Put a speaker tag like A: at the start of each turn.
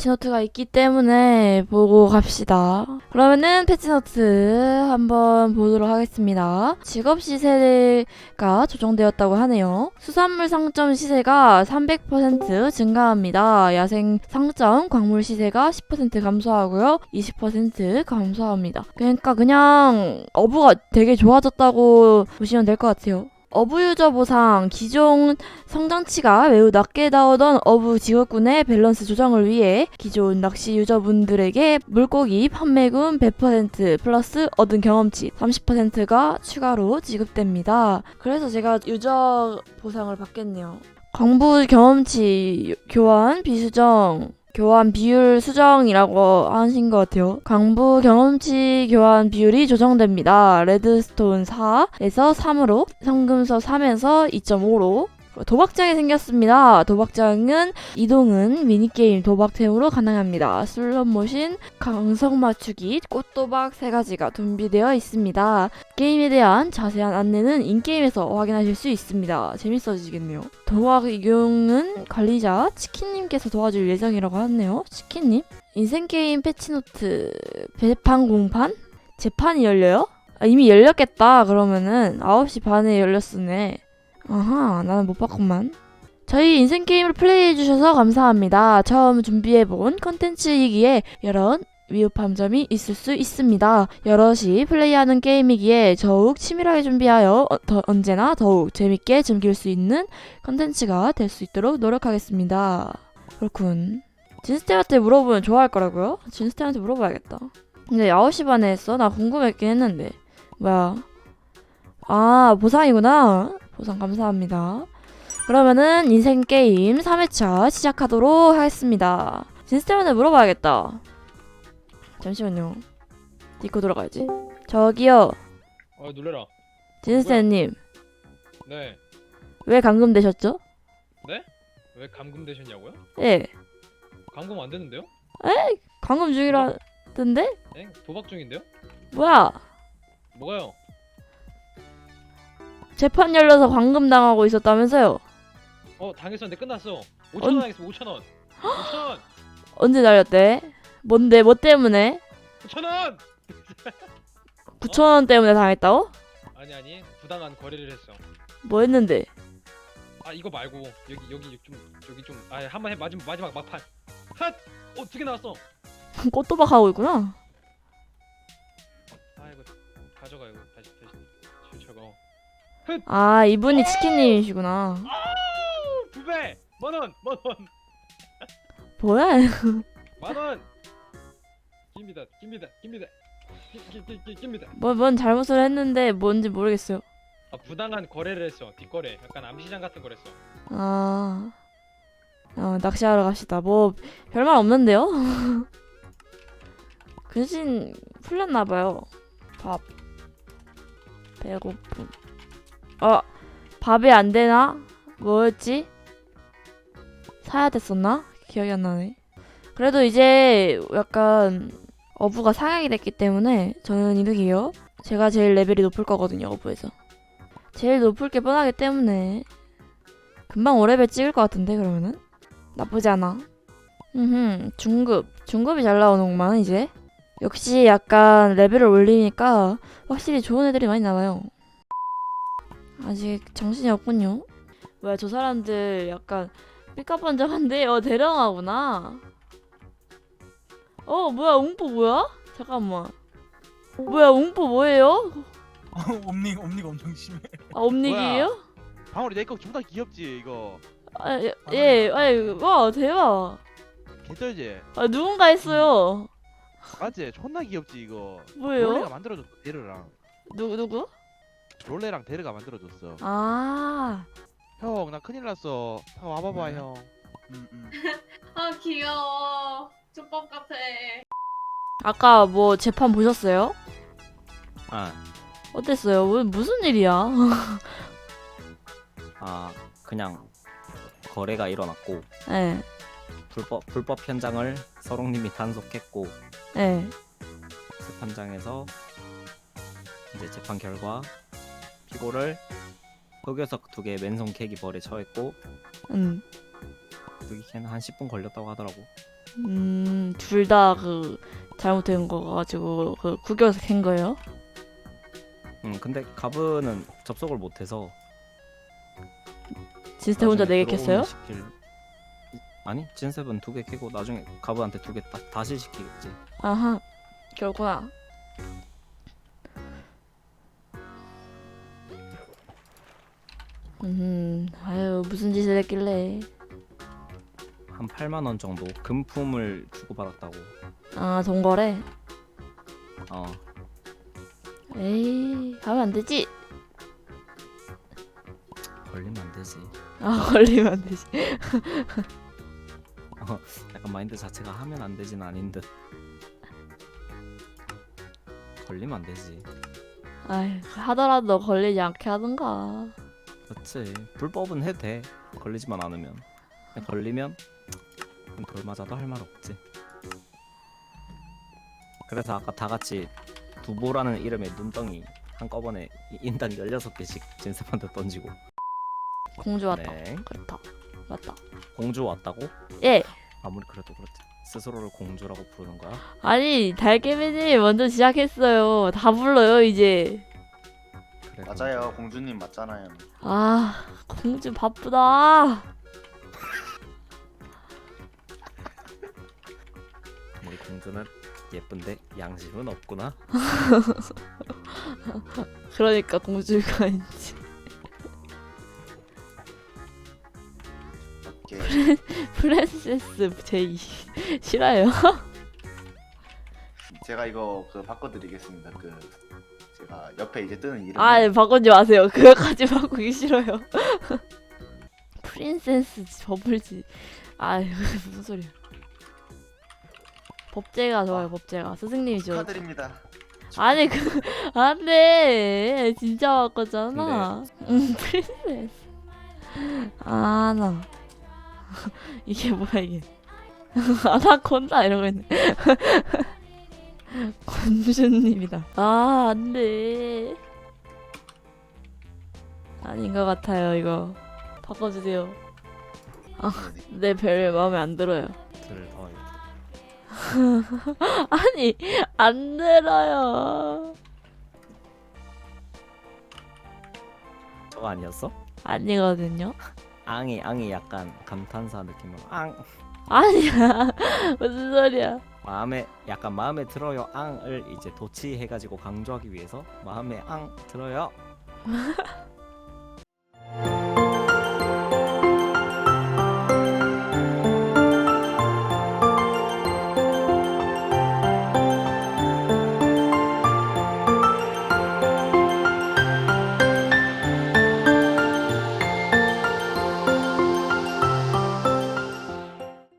A: 패치노트가 있기 때문에 보고 갑시다. 그러면은 패치노트 한번 보도록 하겠습니다. 직업 시세가 조정되었다고 하네요. 수산물 상점 시세가 300% 증가합니다. 야생 상점 광물 시세가 10% 감소하고요. 20% 감소합니다. 그러니까 그냥 어부가 되게 좋아졌다고 보시면 될 것 같아요. 어부 유저 보상, 기존 성장치가 매우 낮게 나오던 어부 직업군의 밸런스 조정을 위해 기존 낚시 유저분들에게 물고기 판매금 100% 플러스 얻은 경험치 30%가 추가로 지급됩니다. 그래서 제가 유저 보상을 받겠네요. 광부 경험치 교환 비수정 교환 비율 수정이라고 하신 것 같아요. 광부 경험치 교환 비율이 조정됩니다. 레드스톤 4에서 3으로, 성금서 3에서 2.5로 도박장이 생겼습니다. 도박장은 이동은 미니게임 도박템으로 가능합니다. 슬롯머신, 강성 맞추기, 꽃도박 3가지가 준비되어 있습니다. 게임에 대한 자세한 안내는 인게임에서 확인하실 수 있습니다. 재밌어지겠네요. 도박 이용은 관리자 치킨님께서 도와줄 예정이라고 하네요. 치킨님? 인생게임 패치노트 재판 공판? 재판이 열려요? 이미 열렸겠다. 그러면은 9시 반에 열렸으네. 아하, 나는 못 봤구만. 저희 인생게임을 플레이해주셔서 감사합니다. 처음 준비해본 컨텐츠이기에 여러 위협한 점이 있을 수 있습니다. 여럿이 플레이하는 게임이기에 더욱 치밀하게 준비하여 언제나 더욱 재밌게 즐길 수 있는 컨텐츠가 될 수 있도록 노력하겠습니다. 그렇군. 진스템한테 물어보면 좋아할 거라고요? 진스템한테 물어봐야겠다. 근데 9시 반에 했어? 나 궁금했긴 했는데. 뭐야? 아, 보상이구나. 보상 감사합니다. 그러면은 인생게임 3회차 시작하도록 하겠습니다. 진스템한테 물어봐야겠다. 잠시만요. 디코 들어가야지. 저기요.
B: 놀래라.
A: 진스템님.
B: 네.
A: 왜 감금되셨죠?
B: 네? 왜 감금되셨냐고요?
A: 예.
B: 감금 안 되는데요?
A: 에이, 감금 중이라던데?
B: 네? 도박 중인데요?
A: 뭐야?
B: 뭐가요?
A: 재판 열려서 감금 당하고 있었다면서요?
B: 당했었는데 끝났어. 5,000원 하겠습니다. 5,000원. 5,000원.
A: 언제 날렸대? 뭔데? 뭐 때문에?
B: 5,000원.
A: 9,000원 때문에 당했다고?
B: 아니 부당한 거래를 했어.
A: 뭐 했는데?
B: 이거 말고 여기 좀 한번 해. 마지막 막판. 핫. 2개 나왔어.
A: 꽃도박 하고 있구나.
B: 이거 가져가. 이거 다시 저거.
A: 아, 이분이 치킨님이시구나.
B: 2배. 만원.
A: 뭐야?
B: 만원. 깁니다. 깁니다.
A: 뭔 잘못을 했는데 뭔지 모르겠어요.
B: 부당한 거래를 했어. 뒷거래. 약간 암시장 같은 거랬어.
A: 낚시하러 갑시다. 뭐 별말 없는데요? 근신 풀렸나봐요. 밥 배고픔. 밥이 안 되나? 뭐였지? 사야 됐었나? 기억이 안 나네. 그래도 이제 약간 어부가 상향이 됐기 때문에 저는 이득이요. 제가 제일 레벨이 높을 거거든요, 어부에서. 제일 높을 게 뻔하기 때문에 금방 5레벨 찍을 것 같은데, 그러면은? 나쁘지 않아. 중급이 잘 나오는구만, 이제. 역시 약간 레벨을 올리니까 확실히 좋은 애들이 많이 나와요. 아직 정신이 없군요. 뭐야, 저 사람들 약간 삐까뻔쩍한데? 대령하구나. 뭐야, 웅뽀 뭐야? 잠깐만. 뭐야, 웅뽀 뭐예요?
C: 옴니가 엄청 심해.
A: 옴닉이에요?
D: 방울이 내거 존나 귀엽지 이거.
A: 예, 와, 대박.
D: 개쩔지?
A: 누군가 했어요.
D: 맞지? 존나 귀엽지 이거.
A: 뭐예요?
D: 롤레가 만들어줬어. 데르랑
A: 누구?
D: 롤레랑 데르가 만들어줬어. 형 나 큰일 났어. 와봐봐
C: 왜?
D: 형.
E: 귀여워. 족밥 같아.
A: 아까 뭐 재판 보셨어요?
F: 아,
A: 어땠어요? 무슨 일이야?
F: 그냥 거래가 일어났고
A: 예,
F: 불법 현장을 서롱님이 단속했고
A: 예.
F: 재판장에서 이제 재판 결과 피고를 흑요석 2개 맨손 캐기 벌에 처했고 득이캔 한 10분 걸렸다고 하더라고.
A: 둘 다 그 잘못된 거 가지고 그 구겨서 캔 거예요?
F: 근데 가브는 접속을 못해서
A: 진스테 혼자
F: 나중에
A: 4개 캤어요?
F: 들어오는 아니 진셉은 2개 캐고 나중에 가브한테 2개 다시 시키겠지.
A: 아하, 그렇구나. 아유, 무슨 짓을 했길래.
F: 한 8만 원 정도 금품을 주고받았다고.
A: 아, 동거래?
F: 어
A: 에이, 하면 안 되지.
F: 걸리면 안 되지.
A: 아, 걸리면 안 되지.
F: 약간 마인드 자체가 하면 안 되진 아닌 듯. 걸리면 안 되지.
A: 아이, 하더라도 걸리지 않게 하든가.
F: 그렇지. 불법은 해도 돼. 걸리지만 않으면. 근데 걸리면 돌 맞아도 할 말 없지. 그래서 아까 다 같이 두보라는 이름의 눈덩이 한꺼번에 인당 16개씩 진셉한테 던지고.
A: 공주 왔다.
F: 네.
A: 그렇다. 맞다.
F: 공주 왔다고?
A: 예.
F: 아무리 그래도 그렇지. 스스로를 공주라고 부르는 거야?
A: 아니, 달개미님 먼저 시작했어요. 다 불러요, 이제.
F: 그래,
G: 맞아요, 공주님 맞잖아요.
A: 아, 공주 바쁘다.
F: 우리 공주는 예쁜데 양심은 없구나.
A: 그러니까 공주가 있지.
G: 오케이.
A: 프랜세스 제이 싫어요?
G: 제가 이거 그 바꿔드리겠습니다. 그 제가 옆에 이제 뜨는 이름.
A: 아, 바꾸지 마세요. 그거까지 바꾸기 싫어요. 프린세스 버블지. 아, 무슨 소리야. 법제가 좋아요. 법제가 스승님이 좋아.
G: 축하드립니다.
A: 아니 그 안돼. 진짜 바꿨잖아. 프린세스. 아, 나 이게 뭐야 이게. 아나콘다 이러고 있네. 건주님이다. 아, 안돼. 아닌 것 같아요. 이거 바꿔주세요. 내 별 마음에 안 들어요. 아니, 안 들어요.
F: 저거 아니었어?
A: 아니거든요.
F: 앙이 약간 감탄사 느낌으로 앙.
A: 아니야. 무슨 소리야.
F: 약간 마음에 들어요 앙을 이제 도치해가지고 강조하기 위해서 마음에 앙 들어요